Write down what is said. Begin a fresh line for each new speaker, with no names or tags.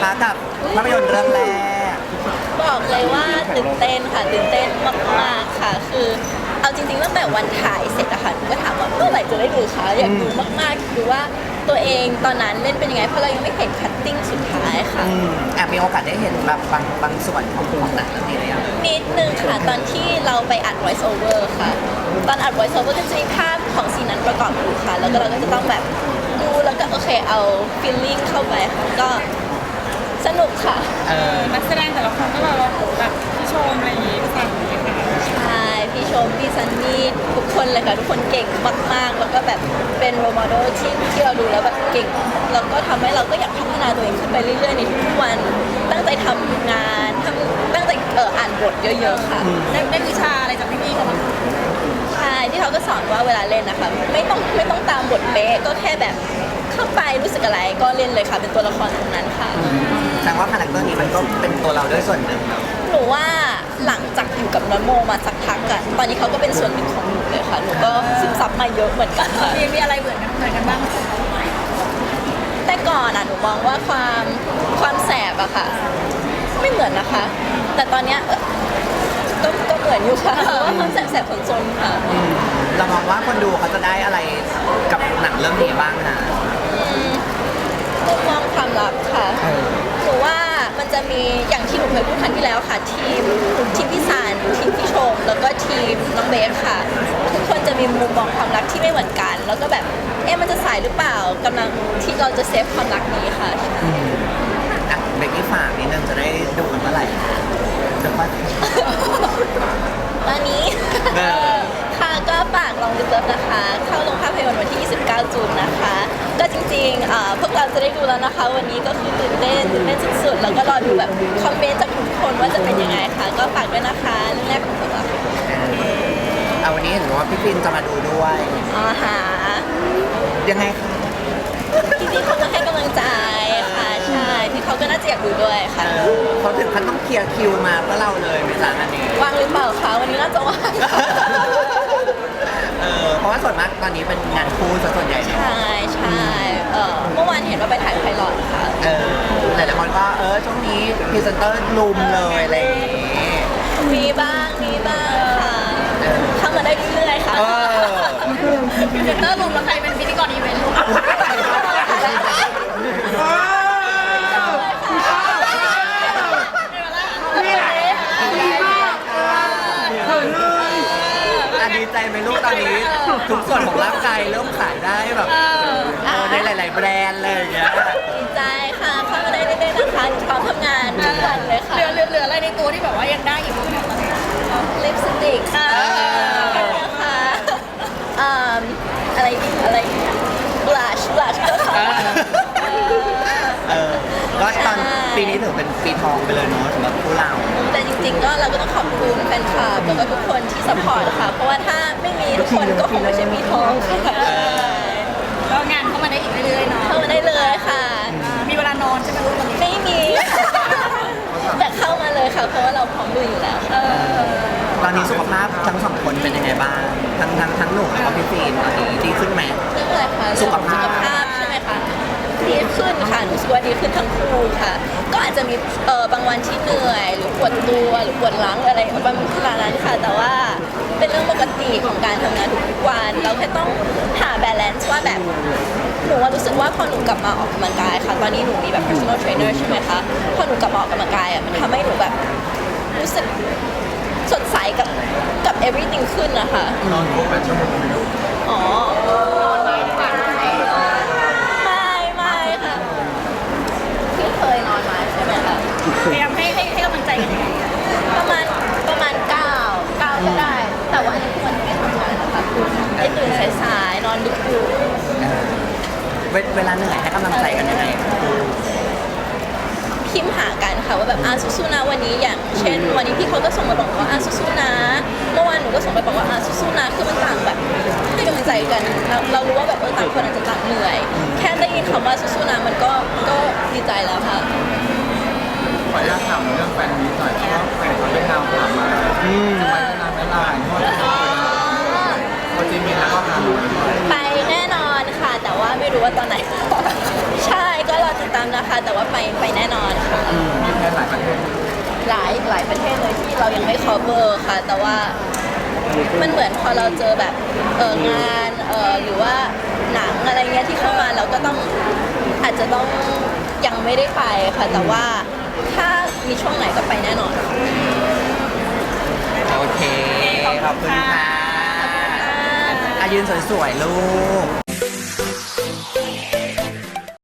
คะกับภาพยนตร์เรื่องแรก
บอกเลยว่าตื่นเต้นค่ะตื่นเต้นมากๆค่ะคือเอาจริงๆตั้งแต่วันถ่ายเสร็จอะค่ะหนูก็ถามว่าเมื่อไหร่จะได้ดูคะอยากดูมากๆดูว่าตัวเองตอนนั้นเล่นเป็นยังไงเพราะเรายังไม่เห็นคัตติ้งสุดท้ายค่ะ
แอบมีโอกาสได้เห็นแบบบางส่วนของหนังเรื่องนี้เลยอ่ะ
นิดนึงค่ะตอนที่เราไปอัด voice over ค่ะตอนอัด voice over ก็จะมีภาพของซีนนั้นประกอบอยู่ค่ะแล้วก็เราก็จะต้องแบบดูแล้วก็โอเคเอา feeling เข้าไปค่ะก็สนุกค่ะ
นักแสดงแต่ละคนก็แบบพี่ชมอะไรอย่างงี้สั่งเลยค่ะ
ใช่พี่ชมพี่ซันนี่ทุกคนเลยค่ะทุกคนเก่งมากๆแล้วก็แบบเป็นโรโมเดลที่เราดูแล้วแบบเก่งแล้วก็ทำให้เราก็อยากพัฒนาตัวเองขึ้นไปเรื่อยๆในทุกๆวันตั้งใจทำงานตั้งใจอ่านบทเยอะๆค่ะ
ได้วิชาอะไรจากพี่ๆเขาบ้าง
ใช่ที่เขาก็สอนว่าเวลาเล่นนะคะไม่ต้องตามบทเป๊ะก็แค่แบบเข้าไปรู้สึกอะไรก็เล่นเลยค่ะเป็นตัวละครตรงนั้นค่ะ
แสดงว่าคาแรคเตอร์นี้มันก็เป็นตัวเราด้วยส่วนหนึ่ง
หนูว่าหลังจากอยู่กับน้องโมมาสักพักอะตอนนี้เขาก็เป็นส่วนหนึ่งของหนูเลยค่ะหนูก็ซึมซับมาเยอะเหมือนกัน
มีอะไรเหมือนกันบ้าง
แต่ก่อนอะหนูมองว่าความแสบอะค่ะไม่เหมือนนะคะแต่ตอนเนี้ยก็เหมือนอยู่ค่ะว่าความแสบๆซนๆค่ะ
เรามองว่าคนดูเขาจะได้อะไรกับหนังเรื่องนี้บ้างนะ
มุมมองความรักค่ะหนูว่ามันจะมีอย่างที่หนูเคยพูดครั้งที่แล้วค่ะทีมพี่สานทีมพี่ชมแล้วก็ทีมน้องเบสค่ะทุกคนจะมีมุมมองความรักที่ไม่เหมือนกันแล้วก็แบบมันจะสายหรือเปล่ากำลังที่เราจะเซฟความรักนี้ค่ะ
เบกกี้ฝากนิดนึงจะได้ดูกันเมื่อไหร่จะว่า
ตอนนี้ค่ะก็ฝากลองดูเลิฟนะคะเข้าโรงภาพยนตร์วันที่ 29 จูนนะคะก็จริงๆพวกเราจะได้ดูแล้วนะคะวันนี้ก็คือตื่นเต้นสุดๆแล้วก็รอดูแบบคอมเมนต์จากทุกคนว่าจะเป็นยังไงคะก็ฝากด้วยนะคะเรื่องแรกของพวกเรา
วันนี้เห็นว่าพี่ปินจะมาดูด้วยยังไงคะ
พี่เขาก็ให้กำลังใจค่ะใช่พี่เขาก็น่าจะอยากดูด้วยค่ะ
เขาถึงขั้นต้องเคลียร์คิวมาเพื่อเราเลยไหมจ๊ะอันนี้
ว่างหรือเปล่าคะวันนี้น่าจะว่าง
เพราะว่าส่วนมากตอนนี้เป็นงานคู่ส่วนใหญ่
ใช่เมื่อวานเห็นว่าไปถ่ายไพลอตค่ะ
หลายคนก็ช่วงนี้พรีเซนเตอร์ลุมเลยอะไรอย่างงี้
มีบ้างค่ะเข้ามาได้เรื่อยๆค่ะ
พรีเซนเตอร์ลุมแล้วใครเป็นพิธีกรอีเวนต์ลุม
ดีใจไหมลูกตอนนี้ทุกส่วนของร่างกายเริ่มขายได้แบบในหลายๆแบรนด์เลยอย่างเงี้ย
ดีใจค่ะเข้ามาได้เรื่อยๆนะคะพร้อมทำงานทุกวันเลยค่ะ
เหลืออะไรในตัวที่แบบว่ายังได้อยู่
ลิปสติกค่ะอะไรบลัชก็ค่ะ
ก็ตอนปีนี้ถือเป็นปีทองไปเลยเนาะสำหรับผู้เรา
แต่จริงๆก็เราก็ต้องขอบคุณแฟนคลับแล้วก็ทุกคนที่ซัพพอร์ตค่ะเพราะว่าถ้าไม่มีทุกคนก็คงไม่ใช่ปีทอง
ก็งานเข้ามาได้อีกเรื่อยๆเนาะ
เข้ามาได้เลยค่ะ
มีเวลานอนใช่ไหมลูกตอนนี้
ไม่มีแต่เข้ามาเลยค่ะเพราะว่าเราพร้อมดูอยู่แล้ว
ตอนนี้สุขภาพทั้งสองคนเป็นยังไงบ้างทั้งหนุ่มแล้วก็พี่ฟิล์มตอนนี้ดีขึ้นไหม
เรื่องอะไรคะสุขภาพใช่ไหมคะดีขึ้นค่ะหนูคิดว่าดีขึ้นทั้งคู่ค่ะก็อาจจะมีบางวันที่เหนื่อยหรือปวดตัวหรือปวดหลังอะไรบางขนาดนั้นค่ะแต่ว่าเป็นเรื่องปกติของการทำงานทุกวันเราแค่ต้องหาบาลานซ์ว่าแบบหนูว่ารู้สึกว่าพอหนูกลับมาออกกำลังกายค่ะตอนนี้หนูมีแบบ personal trainer ใช่ไหมคะพอหนูกลับมาออกกำลังกายมันทำให้หนูแบบรู้สึกสดใสกับ everything ขึ้นนะคะ
นอนครบ8 ชั่วโมงไหมลูก
อ๋อนอนไหมไม่ค่ะพี่เคยนอนไหมใช่ไหมคะ
พยายามให้กำลังใจกันยังไง
ประมาณ9ก็ได้แต่ว่าอันนี้ควรไม่ทำงานนะคะไม่ตื่นสายๆนอนดึกอยู่
เวลาเหนื่อยให้กำลังใจกันยังไง
พิมพ์หากันค่ะว่าแบบสู้ๆนะวันนี้อย่างเช่นวันนี้พี่เขาก็ส่งมาบอกว่าสู้ๆนะเมื่อวานหนูก็ส่งไปบอกว่าสู้ๆนะคือมันต่างแบบให้กำลังใจกันเรารู้ว่าแบบต่างคนอาจจะต่างเหนื่อยแค่ได้ยินคำว่าสู้ๆนะมันก็ดีใจแล้วค่ะ
ขออนุญาตถามเรื่องแฟนนี้หน่อยเพราะว่าแฟนเขาเป็นนาวถามมาจะไปนานไม่ลายพอจีมินแล้วก็หา
ไปแน่นอนค่ะแต่ว่าไม่รู้ว่าตอนไหนใช่ก็รอติดตามนะนะคะ แต่ว่าไปแน่นอนค่ะ
มีแค่หลายประเทศ
หลายประเทศเลยที่เรายังไม่ cover ค่ะ แต่ว่ามันเหมือนพอเราเจอแบบงานหรือว่าหนังอะไรเงี้ยที่เข้ามาเราก็ต้องอาจจะต้องยังไม่ได้ไปค่ะ แต่ว่าถ้ามีช่วงไหนก็ไปแน่นอน
โอเค ขอบคุณค่ะอายืนสวยๆ ลูก